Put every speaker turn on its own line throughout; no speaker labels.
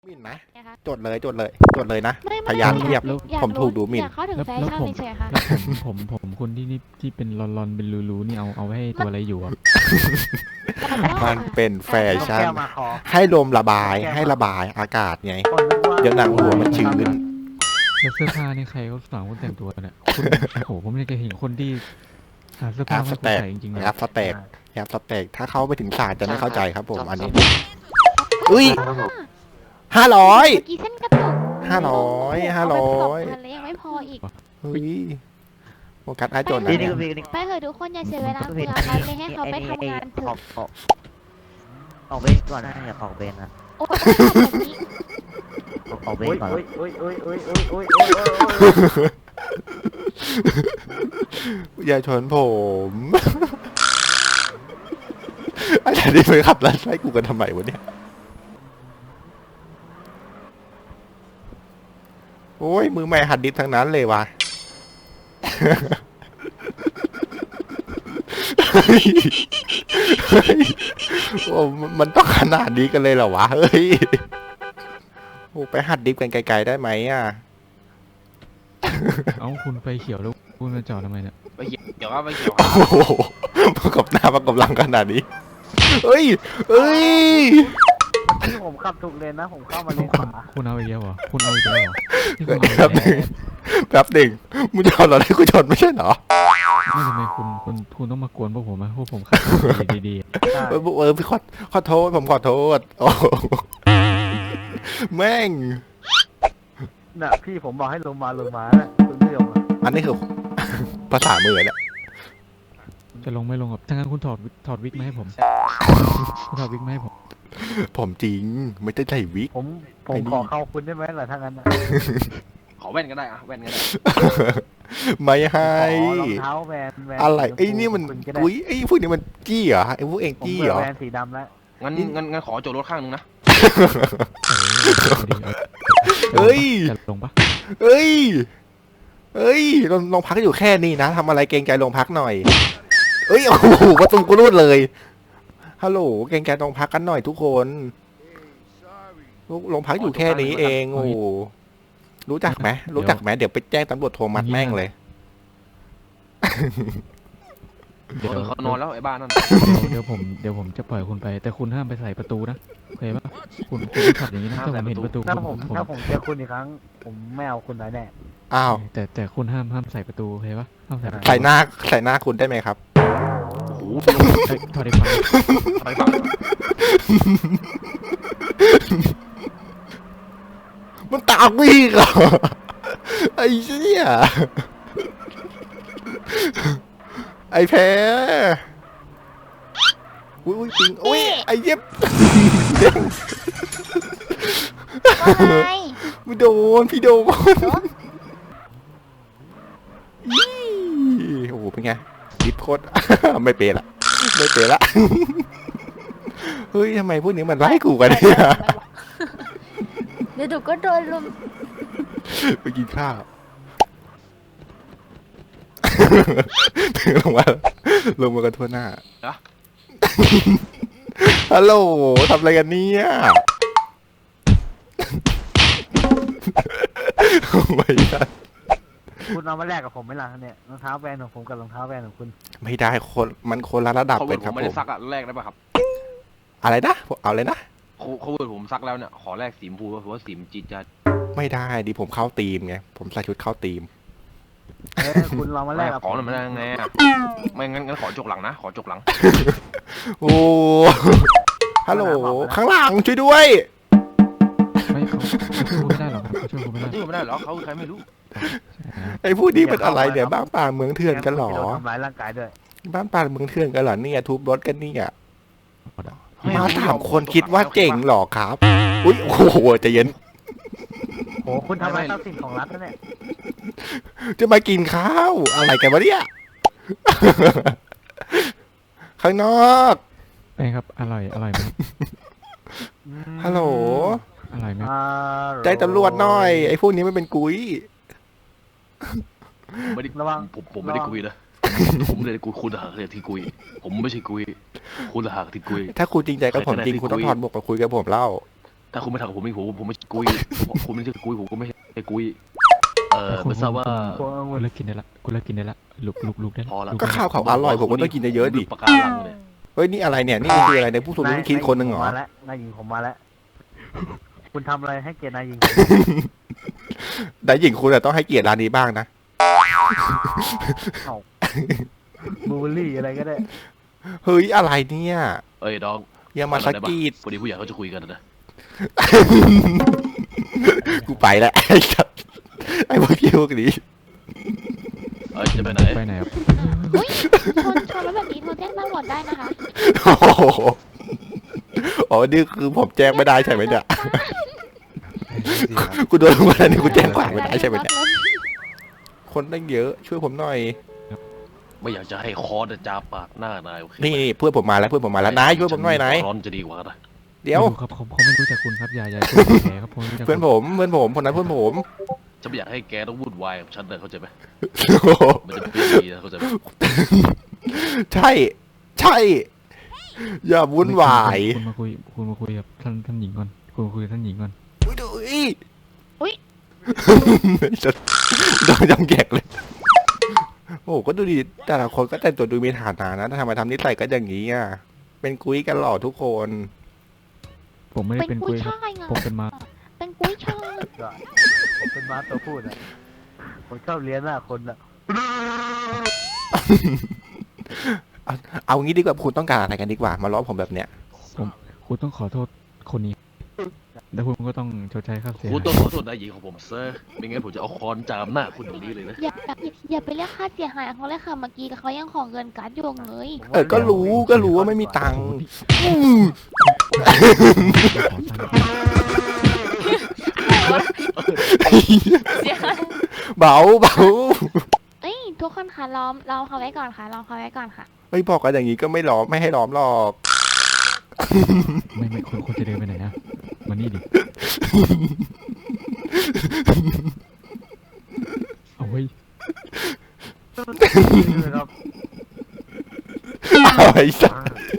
หมิ่นไหม
นะคะ
จดเลยนะ
ไม่
พยานเทียบ
อยาก
ผมถูกดูหมิ่น
อยากเข้าถึง
แล้ว
แฟ
แล้ว
ชั่น
ผม
เฉยๆค่ะ
แล้วผมคุณที่นี่ที่เป็นรอนๆเป็นรูๆนี่เอาไว้ให้ตัวอะไรอยู่อ่ะ
มันเป็นแฟชั่น
แก้วมาคอ
ให้ลมระบายให้ระบายอากาศไง
คนนึกว่า
เดี๋ยวหนังหัวมันชื้น
แล้วเสื้อผ้านี่ใครเขาสั่งคุณแต่งตัวเนี่ยคุณโอ้โหผมไม่เคยเห็นคนที่หาเสื้อ
แอ
ผ้า
ปส
ให้คุณ
แต็ก
ใส่จริงๆนะ
แอปสแต็กแอปสแต็กถ้าเข้าไปถึงศาสตร์จะไม่เข้าใจครับผมอันนี้อุ้ย500
เมื่อกี้เส้นกระตุก
500
เอาไป2,000แล้วยังไม่พออีก
เฮ้ยโฟกัสไอ้โจนนะ
นี่
เนี่ย
ก็มีนี่
ไปเถอะทุกคนอย่าเสียเวลาเปลืองไปเลยให้เขาไปทำงานเถ
อ
อะ
อกเบนก่อนนะอย่าออกเบนนะ
โอ้ยแบบนี้
ออกเบนก่อน
อย่าชนผม อาจารย์นี่ไปขับรถไล่กูกันทำไมวะเนี่ยโอ้ยมือใหม่หัดดิบทั้งนั้นเลยว่ะ เฮ้ยโอ้มันต้องขนาดนี้กันเลยเหรอวะ เฮ้ย โอ้ไปหัดดิฟกันไกลๆได้ไหมอ่ะ
เอ้าคุณไฟเขียวแล้วคุณมาจอดทำไมเนี่ย
ไปเกี่ยวครับไปเกี่ยว
โอ้โหประกอบหน้าประกอบหลังขนาดนี้ เฮ้ย เฮ้ย
ที่ผมขับถูกเลนนะผมเข้ามาเล
คุณ
นขวา
คุณเอาอีกแล้วเหรอคุณเอาอีกแล้วเหรอนี่คุณ
แป๊
เอา
บ
อีก
หนึ่ง
แล้ว
แป๊บหนึ่งมึงจะเอาเราให้กูชนไม่ใช่เหรอ
ไม่ทำไมคุณต้องมากวนพวกผมอะพวกผมขับดีๆ
ใช่
พี่ขอโทษผมขอโทษโอ้โหแม่ง
น่ะพี่ผมบอกให้ลงมาน่ะคุณไม่ลง
อันนี้คือ ภาษามือเนี่ย
จะลงไม่ลงครับถ้างั้นคุณถอดวิกมาให้ผมคุณถอดวิกมาให้ผม
ผมจริงไม่ได้ใส่วิก
ผมขอเข้าคุณได้ไหมล่ะถ้างั้น
ขอแว่นก็ได้อะแว่นก็ได้
ไม่ให้
รองเท้าแวน
อะไรไอ้นี่มัน
ก็ได้
อุ้ยไอ้พวกนี้มันจี้เหรอไอ้พวกเอง
ผม
จี้
เบื่
เหร
อ
อ
แวนสีดำแล้ว
งั้นขอโจทย์รถข้างนึงนะ
เฮ้ย
จะลงปะ
เอ้ยเอ้ยโรงพักอยู่แค่นี้นะทำอะไรเกรงใจโรงพักหน่อยเอ้ยโอ้โหประตูกูรูดเลยฮัลโหลเกรงใจโรงพักกันหน่อยทุกคนโรงพักอยู่แค่นี้เองโอ้โหรู้จักไหมรู้จักไหมเดี๋ยวไปแจ้งตำรวจโทรมัดแม่งเลย
เดี๋ยว
เขานอนแล้วไอ้บ้านนั่น
เดี๋ยวผมจะปล่อยคุณไป แต่คุณห้ามไปใส่ประตูนะโอเคปะคุณไม่ขับอย่างนี้นะถ้าผมเห็นประตู
ถ้าผมเจอคุณอีกครั้ง ผมไม่เอาคุณไว้แน่
อ้าว
แต่คุณห้ามใส่ประตูโอเคปะห้ามใส่ประตู
ใส่หน้าคุณได้ไหมครับ
โอ้โห
ถอดได้ปะ
ไปฟัง
มันตามวิ่งเหรอไอ้เชี่ยไอ้แพ้อุ้ยปิงอุ้ยไอ้เย็บ
ว่าไง
ไม่โดนพี่โดนอี้โอ้โหเป็นไงดิฟโคตร ไม่เปรละไม่เปรละ เฮ้ยทำไมพวกนี้มันไล่กูกันเนี่ย
เดี๋ยวดูก็โดนลุม
ไปกินข้าว ลงมากันทั่วหน้า ฮัลโหลทำอะไรกันเนี่ยไม่ได้
คุณเอามาแลกกับผมไหมล่ะเนี่ยรองเท้าแวนของผมกับรองเท้าแวนของคุณ
ไม่ได้มันคนละระดับ
เขา
เป็
เวิร์
น
ด
ค
ผ
รับ
มไม่
ผ
ได้
ม
ซักอะแรกได้ป่ะครับ
อะไรนะเอาเลยนะ
เขาเวิร์ดผมซักแล้วเนี่ยขอแรกสีชมพูเพราะว่าสีมนจีดจัด
ไม่ได้ดิผมเข้าทีมไงผมใส่ชุดเข้าทีม
คุณลองมาแลกกับ
ขอหน่อยไม่ได้ไงอะไม่งั้นขอจกหลังนะขอจกหลัง
โอ้ฮัลโหลข้างหลังช่วยด้วย
ไม่เขาช่วยคุณไม่ได้หรอกครับเขาช่วยคุณไม่ได้
ชื่อไม่ได้เหรอเขาคือใครไม่รู้
ไอ้ผู้นี้เป็นอะไรเนี่ยบ้านป่าเมืองเถื่อนกันเหรอ
ทำร้ายร่างกายด้วย
บ้านป่าเมืองเถื่อนกันเหรอเนี่ยทุบรถกันเนี่ยมาถามคนคิดว่าเจ๋งเหรอครับอุ้ยโอ้โหใจเย็น
โหคุณทำลายทรัพย์สินของรัฐนะเนี่ย
จะมากินข้าวอะไรกันวะเนี่ย ข้างนอก
เป็นครับอร่อยไหมครับ
ฮัลโหล
อร่อยไหม
ใจตำรวจหน่อย ไอ้พวกนี้ไม่เป็นกุ้ย
ผมไม่ได้
ระวัง
ผมไม่ได้กุยนะผมเลยกุยคุณหากเลยที่กุยผมไม่ใช่กุยคุณหากที่กุย
ถ้าคุณจริงใจกับผมจริงคุณต้องถอดหมวกมาคุยกับผมเล่า
ถ้าคุณไม่ทำกับผมผมไม่กุยคุณไม่ใช่กุยผมก็ไม่ใช่กุยไม่ทราบว่า
กูเลิกกินได้ละกูเลิกกินได้ละลุกได้ละ
พอละ
ลุ
ก็ข้าวเขาอร่อยผมก็ต้องกินเยอะๆดิ
ปากการังเลย
เฮ้ยนี่อะไรเนี่ยนี่คืออะไรในผู้สูงอายุคิดคนหนึ่งเหรอ
มาแล้วนายหญิงผมมาแล้ว คุณทำอะไรให้เกียรตินายหญิง
แต่หญิงคุณอะต้องให้เกียรติร้านนี้บ้างนะ
บูเบอรี่อะไรก็ได้
เฮ้ยอะไรเนี่ย
เอ้ยน้อง
อย่ามาสะกีด
พอดีผู้ใหญ่เขาจะคุยกันนะ
กูไปแล้วไอ้สัสไอ้พวกเกี้ยวนี้
จะไปไหน
ไปไหนครับ
อุ้ยชนรถแบบนี้โทรแจ้งตำรวจได้นะคะ
โอ้โหอ๋อนี่คือผมแจ้งไม่ได้ใช่ไหมเนี่ยกูโดนมาแล้วนี่กูแจ้งความไม่ได้ใช่ไหมเนี่ยคนตั้งเยอะช่วยผมหน่อย
ไม่อยากจะให้คอร์ดจาปากหน้านายโอเค
นี่เพื่อนผมมาแล้วนายช่วยผมหน่อยนาย
ร้อนจะดีกว่านะ
เดี๋ยว
ไม่รู้ครับเขาไม่รู้จักคุณครับอย่าช่วยแผลครับผมรู้จัก
เพื่อนผมคนนั้นเพื่อนผม
จะไม่อยากให้แกต้องวุ่นวายกับฉันเลยเข้าใจไหม
โอ้โห
มันจะไม่ดีนะเข้าใจไหม
ใช่ใช่ อย่าวุ่นวาย
คุณมาคุยกับท่านหญิงก่อนคุณมาคุยกับท่านหญิงก่อน
อุ๊ย
โดนจำแกกเลย โอ้โหก็ดูดีแต่ละคนก็แต่งตัวดูมีฐานะนะทำไมทำนิสัยก็อย่างนี้อ่ะเป็นกุ้ยกันหล่อทุกคน
ผมไม่ได้
เป็
เป็น น
กุ้
กุ้
ย
ยครับ
ช่ายไง
ผมเป็นมา
เป็นกุ้ยช่าย
ผมเป็นม้าตัวพูดอ่ะผมชอบเลี้ยงหน้าคนอ่ะ
เอาเอางี้ดีกว่าคุณต้องการอะไรกันดีกว่า มาล้อผมแบบเนี้ย
คุณต้องขอโทษคนนี้แล้วคุณก็ต้องชดใช้ค่าเสีย
คุณ
หาย
ต้องขอโทษนายหญิงของผมเซอร์ไม่งั้นผมจะเอาคอนจามหน้าคุณอย่างนี้เลยนะ
อย่าไปเรียกค่าเสียหายเขาเลยค่ะเมื่อกี้เขายังของเงินการ์ดอยู่เลย
ก็รู้ว่าไม่มีตังค์อืมเบา
เอ้ยทุกคนค่ะล้อมเขาไว้ก่อนค่ะล้อมเขาไว้ก่อนค่ะ
ไม่บอกกันอย่างนี้ก็ไม่ล้อมไม่ให้ล้อมหรอก
ไม่คุณจะเดินไปไหนนะมานี่ดิเอาไว้
ครับ
เอาไอ้สัส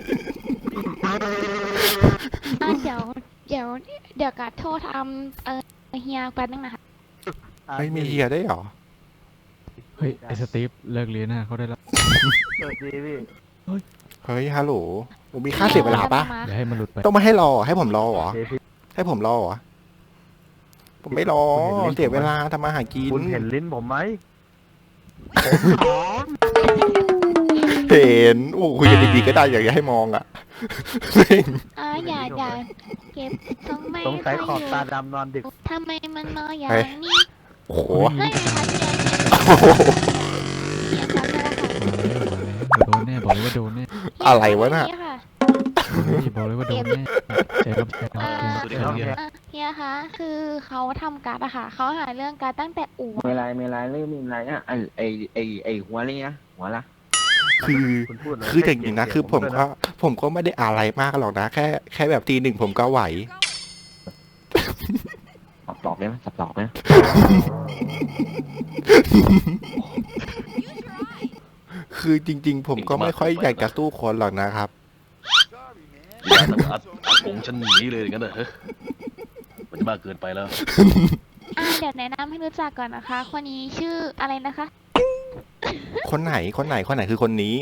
เดี๋ยวการ์ดโทรทำเฮียแป๊บนึงนะคะ
ไม่มีเฮียได้หรอ
เฮ้ยไอ้สตีฟเลิกเรียนนะเขาได้แล้ว
สวัสดีพี่
เฮ้ยฮัลโหลผมมีค่าเสียเวลาปะ
อย่าให้มันหลุดไป
ต้องมาให้รอให้ผมรอเหรอ
เดี๋ยวพี่
ให้ผมรอเหรอผมไม่รอเสียเวลาทำมาหากิน
คุณเห็นลิ้นผมไหม
เห็นโอ้คุยกันดีๆก็ได้อยากจะให้มองอ่ะ
อย่าเก็บทำไม
สงสัยขอบตาดำนอนดึก
ทำไมมันนอนอย่างนี้
โอ้โห
ให้ไหมคะเฮียครับ
มาแล้วบอกเลยว่าโดนแน่
อะไรวะน่ะ
บอกเลยว่าโดนแน่ใจครับ
สวัสดีครับเฮีย
เฮียคะคือเขาทำการ์ดอะค่ะเขาหาเรื่องการ์ดตั้งแต่อู่
ไม่ไรเรื่องมีอะไรอ่ะไอหัวอะไรนะหัวละ
คือ
คุณพูดเลย
คืออย่างนี้นะคือผมก็ไม่ได้อะไรมากหรอกนะแค่แบบตี 1ผมก็ไหว
สับหลอกได้ไหมสับหลอกไหม
คือจริง ๆ ผมก็ไม่ค่อยอยากจะสู้คนหรอกนะครับ
อย่าอัดผมฉันหนีเลยอย่างนั้นเหรอมันจะมากเกินไปแล้ว
เดี๋ยวแนะนำให้รู้จักก่อนนะคะ คนนี้ชื่ออะไรนะคะ
คนไหนคือคนนี้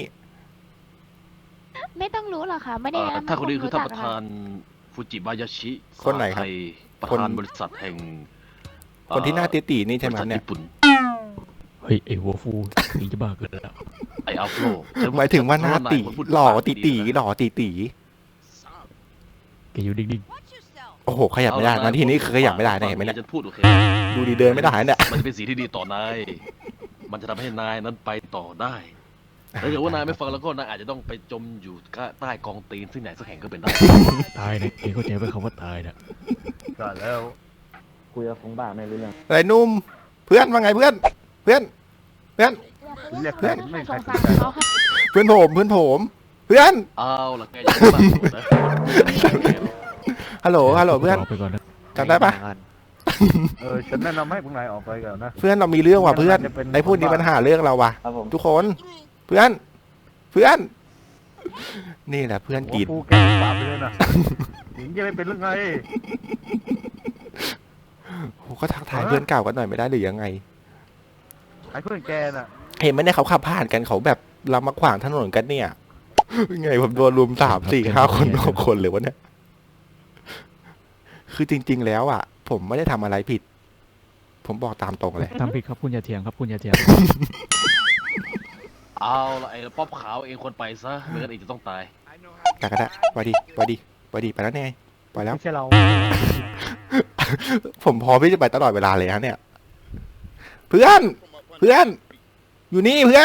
ไม่ต้องรู้หรอกค่ะ ไม่ได้แนะนำ
ถ้าคนนี้คือท่าน
รู้
ประ
จัก
ธานฟูจิบายาชิ
คนไหนครับ
สาไทยประธานบริษัทแห่ง
คนที่หน้าตีๆนี่ใช่ไหม
บริษัท
เนี่ย
ญี่ปุ่น
เฮ้ยไอ้หัวฟูนี่จะบ้าเกินแล้ว
ไออัฟโล
หมายถึงว่าหน้าตีหล่อตี
แกอยู่ดิ่ง
โอ้โหขยับไม่ได้นะทีนี้คือขยับไม่ได้นะเห็นไหมเนี่ย
จะพูดโอเค
ดูดีเดินไม่ได้เนี่ย
มันจะเป็นสิ่งที่ดีต่อนาย มันจะทำให้นายนั้นไปต่อได้ถ้าเกิดว่านายไม่ฟังแล้วก็นายอาจจะต้องไปจมอยู่ใต้กองตีนซึ่งไหนสักแห่งก็เป็นได้
ตายนะเองเข้าใจไหมคำว่าตายนะ
ก่อนแล้ว
คุยกับฟงบ้าไม่รู้เรื่อง
อะไรนุ่มเพื่อนว่าไงเพื่อน
เรียก
เพื่อน
ไม่
ส
ใครง
สารเขาค่ะ
เพื่อนผมเพื่อน
เอาล่ะแกอย่าไปบ้าโกรธนะ
ฮัลโหลเพื่อน
ไปก่อนนะ
จำได้ปะ
ฉันแนะนำให้พวกนายออกไปก่อนนะ
เพื่อนเรามีเรื่องว่ะเพื่อนไอ้พูดนี้ปัญหาเรื่องเราว่ะ
ครับผม
ทุกคนเพื่อนนี่แหละเพื่อน
หัว
กิน
ฟูแกปากไปเลยนะถึงจะไม่เป็นเรื่องไง
โอ้ก็ทักทายเพื่อนเก่ากันหน่อยไม่ได้หรือยังไง
ไอ้เพื่อนแกน่ะ
เห็นไหมเนี่ยเขาขับผ่านกันเขาแบบเรามาขวางถนนกันเนี่ย ไงผมโดนรุม3 4 5 คน6 คนเลยวะเนี่ย คือจริง ๆ แล้วอ่ะ ผมไม่ได้ทำอะไรผิด ผมบอกตามตรงเลย
ทำผิดครับคุณอย่าเถียงครับคุณอย่าเถียง
เอาละไอ้ป๊อปขาวเองควรไปซะไม่งั้นเองจะต้องตาย
กระดะไปดิไปแล้วไงไปแล้ว
ไม่ใช่เรา
ผมพร้อมที่จะไปตลอดเวลาเลยฮะเนี่ย เพื่อน อยู่นี่เพื่อน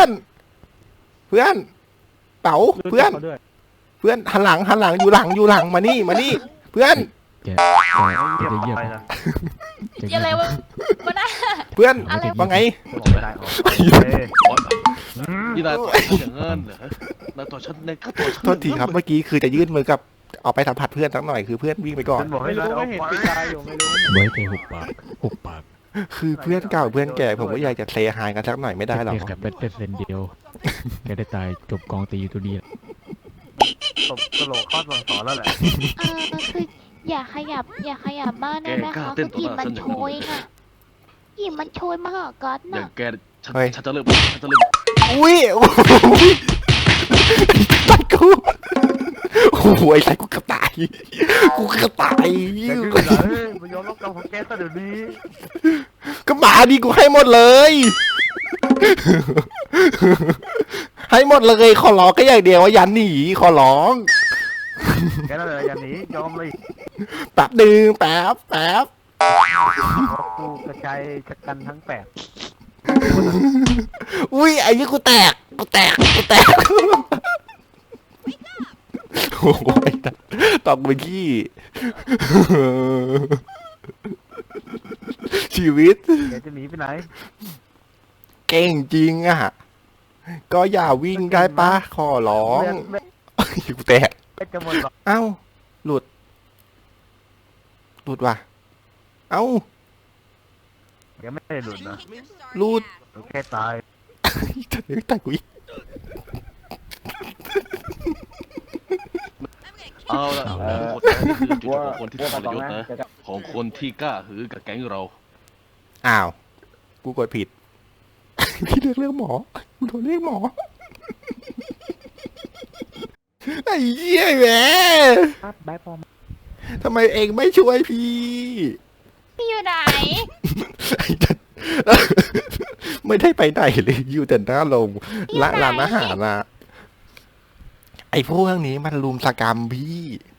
เป๋าเพื่อนหันหลังอยู่หลังมานี่เพื่อน
แกจะเยียบ
ไปนะ
จะ
อย่าอะไรวะมันน่ะ
เพื่อน
อะไร
ว่าไง
จะบอกไม่ได้หรอกเฮ้ย
นี่นายต่อยฉันอย่างเงินเหรอนายต่อยฉันในก็ต่อยฉัน
โทษทีครับเมื่อกี้คือจะยื่นมือกับเอาไปสัมผัสเพื่อนสักหน่อยคือเพื่อนวิ่งไปก่อน
ฉันบอกให้นายเอาไป
ไว้ใจหุบปาก
คือเพื่อนเก่าเพื่อนแก่ผมก็อยากจะเซฮายกันสักหน่อยไม่ได้หรอ
เแค่เป็นเซนเดียวแกได้ตายจบกองตีอยู่ตัวเดียว
ตบกระโหลกข้อสั่งสอนแล้วแหละ
คืออย่าขยับบ้านได้ไหมคะคือกลิ่นมันโชยน่ะกลิ่นมันโชยมาหากัด
อย่า
น่ะ
งแกฉัน
เฮ้ย
ฉันจะเริ่ม
อุ้ยโอ้โหตัดกูโอ้โหไอ้ไรกูกระต่าย
แกดื้อเหรอเฮ้ยมายอมรับกรรมของแกซะเดี๋ยวนี้
ก็มาดิกูให้หมดเลย ให้หมดเลยขอร้องก็อย่างเดียวว่าอย่าหนีขอร้อง
แกนั่นแหละอย่าหนียอมเลย
แป๊บนึงแป๊บ
กูกระจายจัดกันทั้งแปด
อุ้ยไอ้นี่กูแตกโอ้ยตอกไปที่ ชีวิต
แกจะหนีไปไหน
เก่งจริงอ่ะ ก็อย่าวิ่งได้ปะขอร้อง
เลือด
กูแตก
จะหมดหรอก
เอ้า หลุดว่ะ เอ้า
แกไม่ได้หลุดนะ
หลุด
แค่ตาย
จะเลี้ยงตายกูอีก
เอาละทุกคนนี่คือจุดของคนที่ทรยศนะของคนที่กล้าหือกับแก๊งเรา
อ้าว กูกดผิด พี่เรียกหมอกูโดนเรียกหมอ ไอ้เหี้ยแหม
ครับบายพอม
ทำไมเองไม่ช่วยพี่
พี่อยู่ไหน
ไอ้จัดไม่ได้ไปไหนเลยอยู่แต่หน้าโรงร้านอาหารนะไอ้พวกนี้มันลุมสกรรมพี่